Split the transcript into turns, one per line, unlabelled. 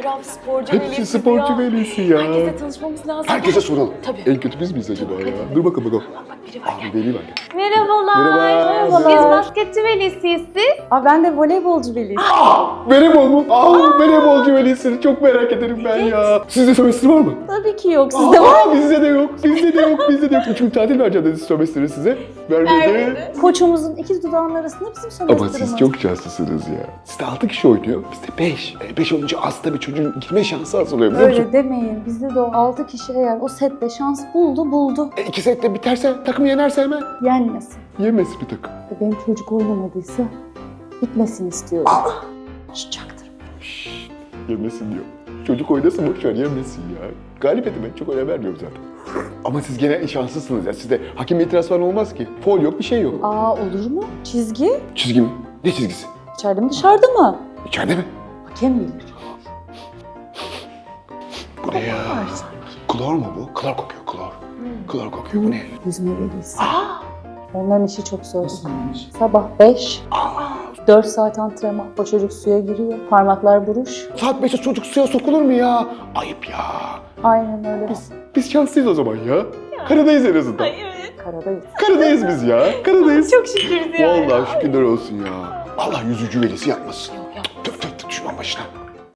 taraf sporcu
Hepsi
velisi
sporcu
ya.
velisi ya.
Herkese tanışmamız lazım.
Herkese soralım.
Tabii.
En kötü biz miyiz acaba ya? Dur bakalım.
Bak biri var.
Abi vereyim hadi.
Merhabalar.
Merhaba.
Biz basketçi velisiyiz siz. Ben de voleybolcu velisiyim.
Voleybol mu? Voleybolcu velisini çok merak ederim ben ya. Sizde sömestr var mı?
Tabii ki yok. Sizde var mı?
Bizde de yok. Bizde de yok. Bizde de yok. 3 gün tatil vereceğim dedi sömestri size. Vermedi.
Koçumuzun ikiz dudağının arasında bizim
Ama
sömestrimiz.
siz çok şanslısınız ya. Sizde 6 kişi oynuyor. Bizde 5. 5 olunca az tabii çocuğun girme şansı az oluyor biliyor musun?
Öyle demeyin. Bizde de o 6 kişi eğer o sette şans buldu.
2 sette biterse takım yenerse hemen.
Yenmesin.
Yemesin bir takım.
Benim çocuk oynamadıysa bitmesini istiyorum. Çaktır.
Yemesin diyor. Çocuk oynasın boşver yemesin ya. Galip edin ben çok önem vermiyorum zaten. Ama siz gene şanslısınız ya. Sizde hakem itiraz falan olmaz ki. Foul yok bir şey yok.
Olur mu? Çizgi?
Çizgi mi? Ne çizgisi?
İçeride mi dışarıda mı?
İçeride mi?
Hakem bilir.
Bu ne ya? Klor mu bu? Klor kokuyor klor. Klor kokuyor bu ne?
Yüzme velisi. Onların işi çok zor. Sabah 5, 4 saat antrenman. O çocuk suya giriyor. Parmaklar buruş.
Saat 5'te çocuk suya sokulur mu ya? Ayıp ya.
Aynen öyle.
Biz şanslıyız o zaman ya. Karadayız en azından.
Karadayız.
Karadayız biz ya. Karadayız.
Çok şükür ya.
Vallahi şükürler olsun ya. Allah yüzücü velisi yapmasın. Tüf tüf tüf düşman başına.